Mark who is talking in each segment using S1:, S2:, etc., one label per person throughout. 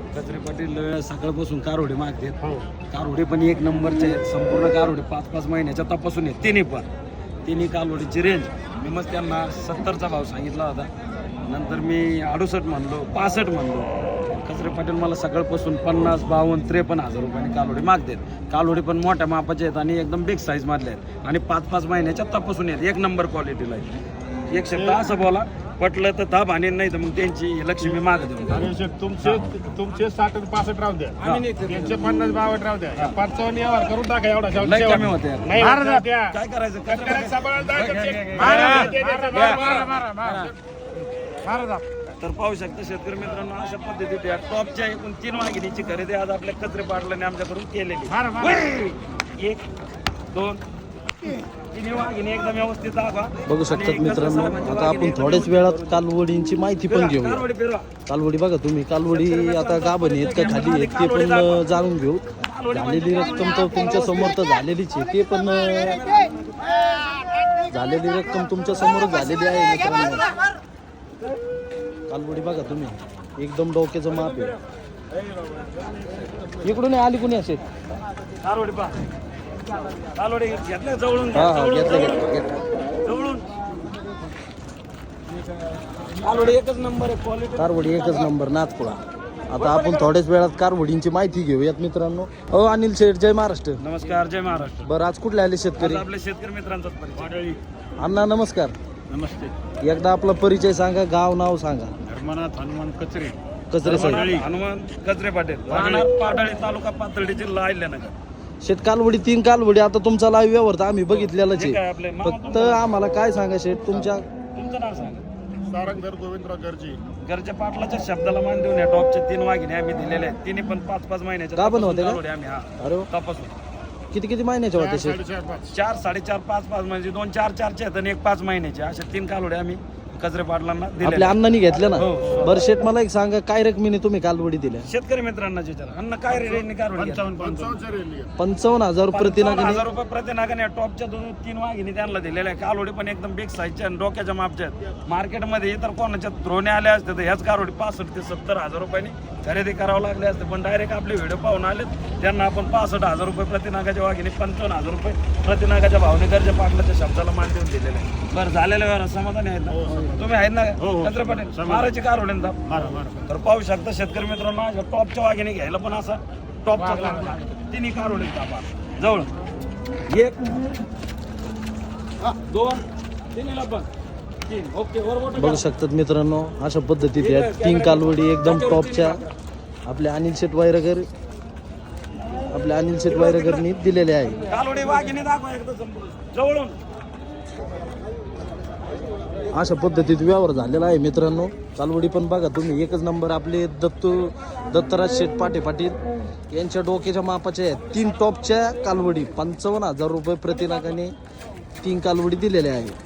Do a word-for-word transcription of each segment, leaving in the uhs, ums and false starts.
S1: कचरे पाटील सकाळपासून कारोडे मागते. कारोडे पण एक नंबरचे आहेत, संपूर्ण कारोडे पाच पाच महिन्याच्या तपासून आहेत तिन्ही पण. तिन्ही कालोडीची रेंज मी मग त्यांना सत्तरचा भाव सांगितला होता. नंतर मी अडुसष्ट म्हणलो, पासष्ट म्हणलो. कचरे पाटील मला सकाळपासून पन्नास बावन्न त्रेपन्न हजार रुपयाने कालोडी मागतात. कालोडी पण मोठ्या मापाचे आहेत आणि एकदम बिग साईज मधले आहेत आणि पाच पाच महिन्याच्या तपासून आहेत. एक नंबर क्वालिटीला आहे. एक शब्द असं बोला पटलं तर ताप आणि नाही तर मग त्यांची लक्ष्मी माग देऊन.
S2: तुमचे तुमचे साठ आणि पासष्ट राहू द्या, त्यांचे पन्नास बावन्न राहू द्या, पंचावन्न यावर करून टाका. एवढा
S1: लय कमी होते. काय करायचं? तर पाहू शकता शेतकरी मित्रांनो, अशा पद्धतीने टॉपच्या एकूण तीन वाघिणीची खरेदी आज आपल्या कचरे पाटलाने आमच्याकडून केलेली. एक दोन तिन्ही वाघिणी एकदम व्यवस्थित दाखवा.
S3: बघू शकतात मित्रांनो, आता आपण थोड्याच वेळात कालवडींची माहिती पण घेऊ. कालवडी बघा तुम्ही, कालवडी आता गाभण आहेत का खाली आहेत ते पण जाणून घेऊ. झालेली रक्कम तर तुमच्या समोर तर झालेलीच आहे, ते पण झालेली रक्कम तुमच्या समोर झालेली आहे मित्रांनो. कालवडी बघा तुम्ही, एकदम डोक्याचं माप आहे. इकडून आली कोणी असेल
S1: कालवडी पा कालवडी घेतलं जवळून.
S3: हा हा घेतलं घेतलं घेतलं
S1: जवळून कालवडी एकच नंबर आहे क्वालिटी.
S3: कारवडी एकच नंबर नाथपुळा. आता आपण थोड्याच वेळात कारवडींची माहिती घेऊयात मित्रांनो. हो अनिल शेठ, जय महाराष्ट्र.
S1: नमस्कार, जय महाराष्ट्र.
S3: बरं, आज कुठले आले शेतकरी?
S1: आपल्या शेतकरी मित्रांचाच परिचय.
S3: अण्णा नमस्कार.
S2: नमस्ते.
S3: एकदा आपला परिचय सांगा, गाव नाव सांगा.
S2: धर्मनाथ हनुमान कचरे,
S3: कचरे साहेब.
S1: हनुमान कचरे पाटील, राहणार पाडळी, तालुका पाथर्डी, जिल्हा अहिल्यानगर.
S3: शेत कालवडी तीन कालवडी आता तुमचा लाईव्ह व्यवहार तर आम्ही बघितलेलाच
S1: ठीक आहे
S3: आहे.
S1: आपले.
S3: फक्त आम्हाला काय सांगा शेठ, तुमच्या
S1: तुमचं नाव सांगा.
S2: सारंगधर गोविंदराव गरजी.
S1: घरच्या पाटलाच्या शब्दाला मान देऊन या टॉपच्या तीन वाघिणी आम्ही दिलेले आहेत. तिने पण पाच पाच महिन्याच्या
S3: का पण होते का?
S1: कालवडी आम्ही हा
S3: अरे वा.
S1: तपासून
S3: किती किती महिन्याच्या होते शेठ?
S2: साडेचार पाच.
S1: चार साडेचार पाच पाच म्हणजे दोन चार चारचे आहेत आणि एक पाच महिन्याचे, अशा तीन कालवडे आम्ही कचरे पाटलांना दिले.
S3: आपल्या अण्णांनी घेतल्या ना.
S1: हो.
S3: बरं शेठ, मला एक सांगा, काय रकमेने तुम्ही कालवडी दिल्या?
S1: शेतकरी मित्रांना विचारा, अन्न काय रेटने कालवडी घ्या?
S2: पंचावन्न रेल्वे.
S3: पंचावन्न हजार रुपये
S1: पंचावन्न
S3: प्रतिनागाने.
S1: हजार रुपये प्रतिनागाने टॉपच्या दोन तीन वाघिणी त्यांना दिलेल्या आहे. कालवडी पण एकदम बिग साईजच्या आणि डोक्याच्या मापच्या आहेत. मार्केटमध्ये इतर कोणाच्या द्रोणे आल्या असते तर ह्याच कालवडी पासष्ट ते सत्तर हजार रुपयांनी खरेदी करावं लागले असते, पण डायरेक्ट आपले व्हिडिओ पाहून आले त्यांना आपण पासष्ट हजार रुपये प्रतिनागाच्या वाघिणी पंचावन्न हजार रुपये प्रतिनागाच्या भावने गरजा पाटलाच्या शब्दाला मान देऊन दिलेले आहे. बरं, झालेलं व्यवहार समाधानी आहेत ना तुम्ही? आहेत ना कचरे पाटील? मारायची कालवडी तर पाहू शकता शेतकरी मित्रांनो, अशा टॉपच्या वाघिणी घ्यायला पण असा टॉपचा तिन्ही कालवडी जवळ. एक दोन तिन्हीला पण तीन. ओके, बरोबर.
S3: बघू शकतात मित्रांनो, अशा पद्धतीत या तीन कालवडी एकदम टॉपच्या आपल्या अनिल शेट वायरगर आपल्या अनिल शेट वायरगरनी दिलेले आहे.
S1: कालवडी वाघिणी दाखवा एकदा संपूर्ण जवळून.
S3: अशा पद्धतीत व्यवहार झालेला आहे मित्रांनो. कालवडी पण बघा तुम्ही, एकच नंबर. आपले दत्तू दत्तराज शेठ पाटे पाटील यांच्या डोक्याच्या मापाच्या आहेत. तीन टॉपच्या कालवडी पंचावन्न हजार रुपये प्रतिनागाने तीन कालवडी दिलेल्या आहे.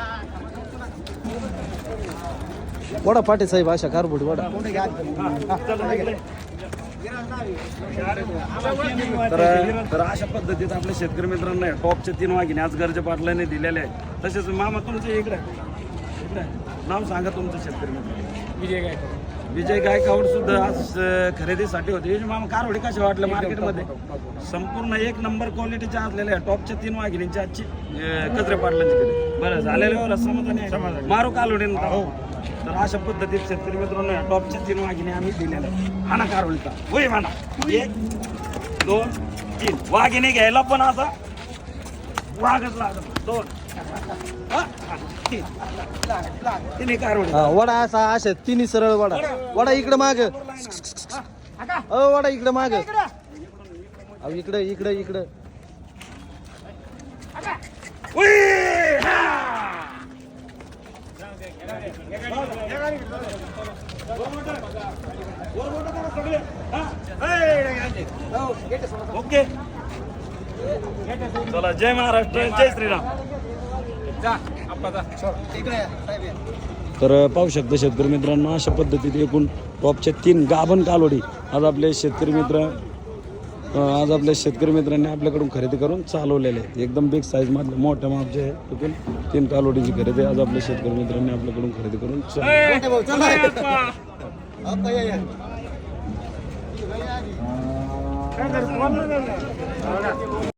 S3: वडा पाटे साहेब, अशा कारवडी वडा.
S1: तर तर अशा पद्धतीत आपल्या शेतकरी मित्रांना टॉपच्या तीन वाघिणी आज गरजे पाटलाने दिलेले आहेत. तसेच मामा तुमचे इकडे इकडे नाव सांगा तुमचं शेतकरी मित्र. विजय गायकवाड. विजय गायकवाड सुद्धा आज खरेदीसाठी होते. मामा कारवडी कशा वाटलं मार्केटमध्ये? संपूर्ण एक नंबर क्वालिटीच्या असलेल्या टॉपच्या तीन वाघिणींची आजची कचरे पाटलांची खरेदी. बरं, झालेलं समाधानी आहे. मारू कालवडी. तर अशा पद्धतीत शेतकरी मित्रांनो टॉपच्या तीन वाघिणी आम्ही दिलेल्या आहेत. हाना कारवडीचा होय म्हणा. एक दोन तीन वाघिणी घ्यायला पण असा वाघच लागत. दोन तिन्ही कारवडी.
S3: हा, वडा असा अशा तिन्ही सरळ वडा. वडा इकडे माग. अ वडा इकडे माग. अहो इकडे इकडे इकडे.
S1: ओके, चला. जय महाराष्ट्र, जय श्रीराम. तर पाहू शकता शेतकरी मित्रांनो, अशा पद्धतीने एकूण टॉपच्या तीन गाभण कालवडी आज आपले शेतकरी मित्र आज आपल्या शेतकरी मित्रांनी आपल्याकडून खरेदी करून चालवलेले आहेत. एकदम बिग साईज मधले मोठ्या मापचे आहे. तिथून तीन कालवडीची खरेदी आज आपल्या शेतकरी मित्रांनी आपल्याकडून खरेदी करून चालू.
S2: काय करतो?